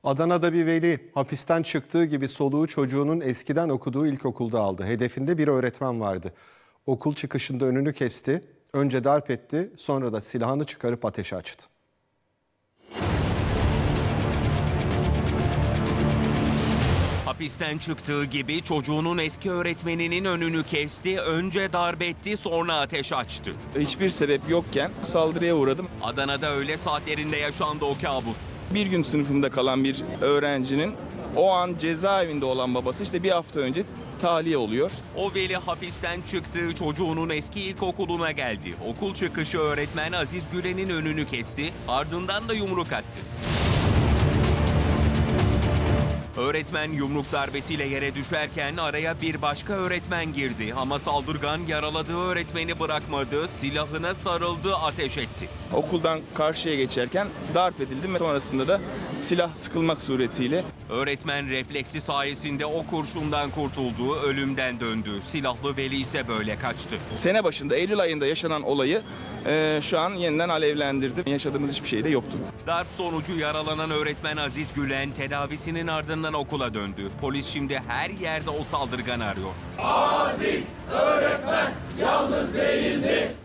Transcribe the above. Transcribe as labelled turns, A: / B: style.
A: Adana'da bir veli hapisten çıktığı gibi soluğu çocuğunun eskiden okuduğu ilkokulda aldı. Hedefinde bir öğretmen vardı. Okul çıkışında önünü kesti, önce darp etti, sonra da silahını çıkarıp ateş açtı.
B: Hapisten çıktığı gibi çocuğunun eski öğretmeninin önünü kesti, önce darp etti, sonra ateş açtı.
C: Hiçbir sebep yokken saldırıya uğradım.
B: Adana'da öğle saatlerinde yaşandı o kabus.
C: Bir gün sınıfımda kalan bir öğrencinin o an cezaevinde olan babası işte bir hafta önce tahliye oluyor.
B: O veli hapisten çıktığı çocuğunun eski ilkokuluna geldi. Okul çıkışı öğretmen Aziz Gülen'in önünü kesti, ardından da yumruk attı. Öğretmen yumruk darbesiyle yere düşerken araya bir başka öğretmen girdi ama saldırgan yaraladığı öğretmeni bırakmadı, silahına sarıldı, ateş etti.
C: Okuldan karşıya geçerken darp edildim ve sonrasında da silah sıkılmak suretiyle
B: Öğretmen refleksi sayesinde o kurşundan kurtuldu, ölümden döndü. Silahlı veli ise böyle kaçtı.
C: sene başında Eylül ayında yaşanan olayı şu an yeniden alevlendirdi. Yaşadığımız hiçbir şey de yoktu.
B: Darp sonucu yaralanan öğretmen Aziz Gülen tedavisinin ardından okula döndü. Polis şimdi her yerde o saldırganı arıyor.
D: Aziz öğretmen yalnız değildi.